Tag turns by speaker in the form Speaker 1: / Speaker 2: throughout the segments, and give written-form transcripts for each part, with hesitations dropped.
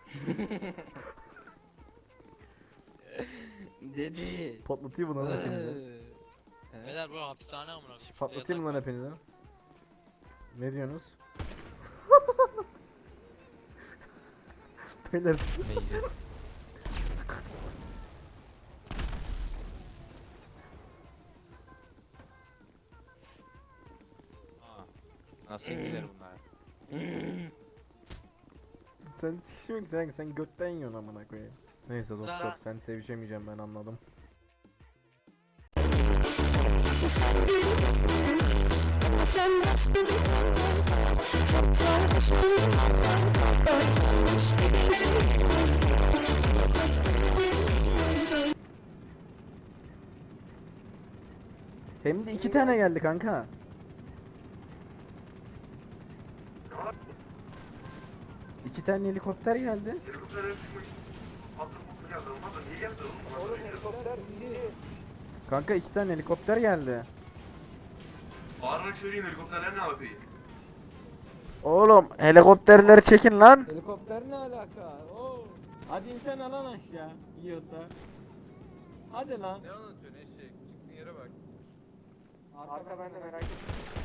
Speaker 1: Dedi.
Speaker 2: Patlatayım mı lan hepinizi?
Speaker 3: Beyler bu hapishane amına koyayım.
Speaker 2: Patlatayım mı lan hepinizi? Ne diyorsunuz? Beyler
Speaker 1: Ne yiyeceğiz?
Speaker 4: Nasıl gider bunlar?
Speaker 2: sen sikişmek sen götten yiyorsun amına koyayım. Neyse doktor sen sevişemeyeceğim ben anladım. Hem de 2 tane geldi kanka. İki tane helikopter geldi. Kanka 2 tane helikopter geldi.
Speaker 5: Bağırma çürüyün helikopterler ne yapıyor?
Speaker 2: Oğlum helikopterleri çekin lan.
Speaker 1: Helikopter ne alaka? Oo. Hadi insan alan aşağı yiyorsa. Hadi lan.
Speaker 4: Ne anlatıyorsun eşek? Çıktığın yere bak.
Speaker 1: Arka bende merak etme.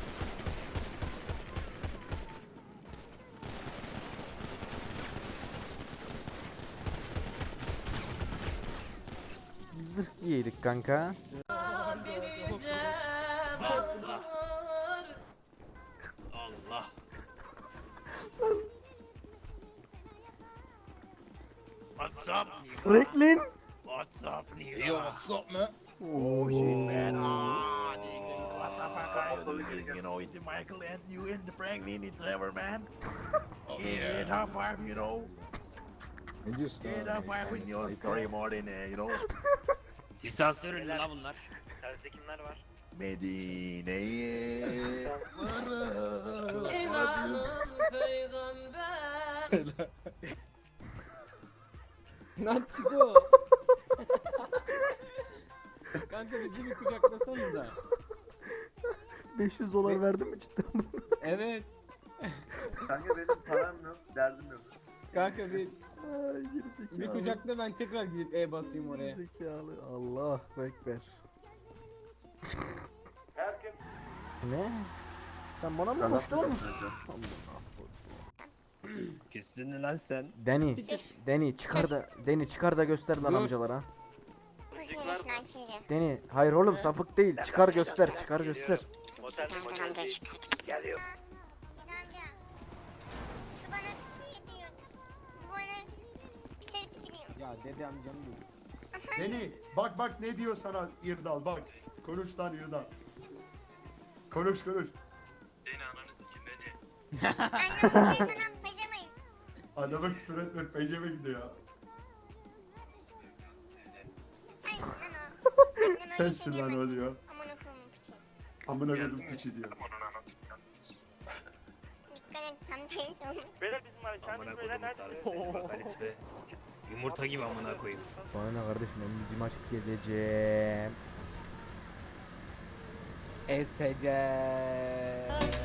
Speaker 2: Zırh giydik kanka.
Speaker 3: Allah. What's up?
Speaker 2: Franklin.
Speaker 3: What's up, nigga?
Speaker 6: Yo, what's up, man?
Speaker 2: Oh
Speaker 6: Shit, man. Ah, nigga. What the fuck are you doing? You know, with the Michael and you and the Franklin and Trevor, man. Yeah, top five, you know. Yeah, top five with your story more than, you know.
Speaker 3: Lisans ürünlü la bunlar. Serviste kimler var?
Speaker 6: Medine'ye varım.
Speaker 1: Lan Çiko. Kanka bizi bir kucaklasanıza.
Speaker 2: 500 dolar verdin mi cidden?
Speaker 1: Evet.
Speaker 5: Kanka benim param yok, derdim yok.
Speaker 1: Kanka bir
Speaker 2: Ay gerizekalı.
Speaker 1: bir kucakla ben tekrar gidip E basayım oraya.
Speaker 2: Gerizekalı. Allah ekber. Ne? Sen bana mı koştun?
Speaker 1: Küstün lan sen.
Speaker 2: Deni çıkar da göster lan
Speaker 1: Dur.
Speaker 2: amcalara.
Speaker 7: Buyurun Ayşe'cim.
Speaker 2: Deni hayır oğlum sapık değil çıkar göster çıkar göster.
Speaker 7: Serdar amca çıkartayım.
Speaker 3: Geliyor.
Speaker 7: Amca. Şu bana bir şey diyor. Bu bana bir şey biliyor.
Speaker 1: Ya dede amcam değil.
Speaker 8: Deni bak bak ne diyor sana İrdal bak. Konuş lan İrdal. Konuş.
Speaker 5: Beni ananı sikeyim beni.
Speaker 7: Annem sana peşemeyin.
Speaker 8: Adama küfür etme peceme gidiyor ya.
Speaker 7: Sensin lan o. Annem öyle
Speaker 8: Sensin
Speaker 7: şey
Speaker 8: lan o
Speaker 7: demez.
Speaker 8: diyor.
Speaker 7: Amına koyayım piçi.
Speaker 8: Amına koydum piçi diyor.
Speaker 7: Dikkat et tam tersi olmuş.
Speaker 3: Beyler bizim var. Amına koyduğum sarısı seni bak Halit be. Yumurta gibi amına koyayım.
Speaker 2: Bana ne kardeşim ben müziğimi açıp gezeceğim.
Speaker 1: Esece.